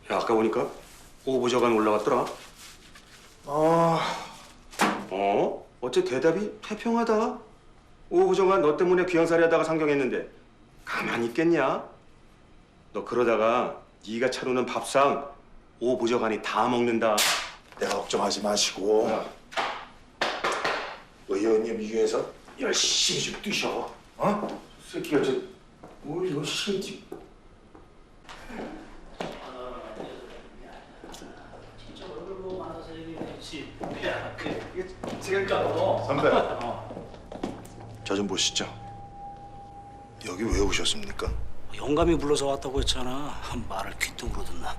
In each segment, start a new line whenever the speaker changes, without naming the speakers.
야, 아까 보니까 오보좌관 올라갔더라. 어째 대답이 태평하다. 오보좌관 너 때문에 귀양살이 하다가 상경했는데 가만히 있겠냐? 너 그러다가 네가 차려놓은 밥상 오보좌관이 다 먹는다.
내가 걱정하지 마시고 의원님 위해서 열심히 좀 뛰셔. 어?
새끼가 뭐 이거 신지.
진짜 얼굴 보고 많아서 얘기했지. 야,
이게 지금까지
선배. 저 좀 보시죠. 여기 왜 오셨습니까?
영감이 불러서 왔다고 했잖아. 말을 귓등으로 듣나.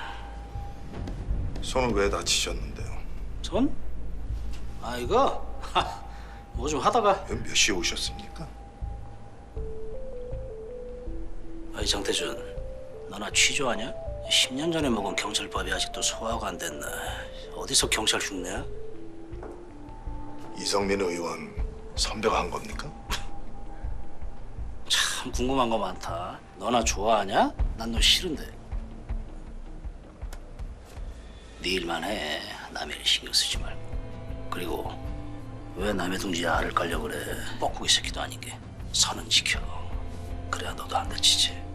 손은 왜 다치셨는데요?
전? 아 이거 뭐 좀 하다가.
몇 시에 오셨습니까?
아이 장태준, 너나 취조하냐? 10년 전에 먹은 경찰법이 아직도 소화가 안 됐나? 어디서 경찰 흉내야?
이성민 의원 선배가 한 겁니까?
참 궁금한 거 많다. 너나 좋아하냐? 난 너 싫은데. 네 일만 해. 남의 일 신경 쓰지 말고. 그리고 왜 남의 둥지에 알을 깔려 그래? 뻐꾸기 새끼도 아닌 게. 선은 지켜. 그래야 너도 안 다치지.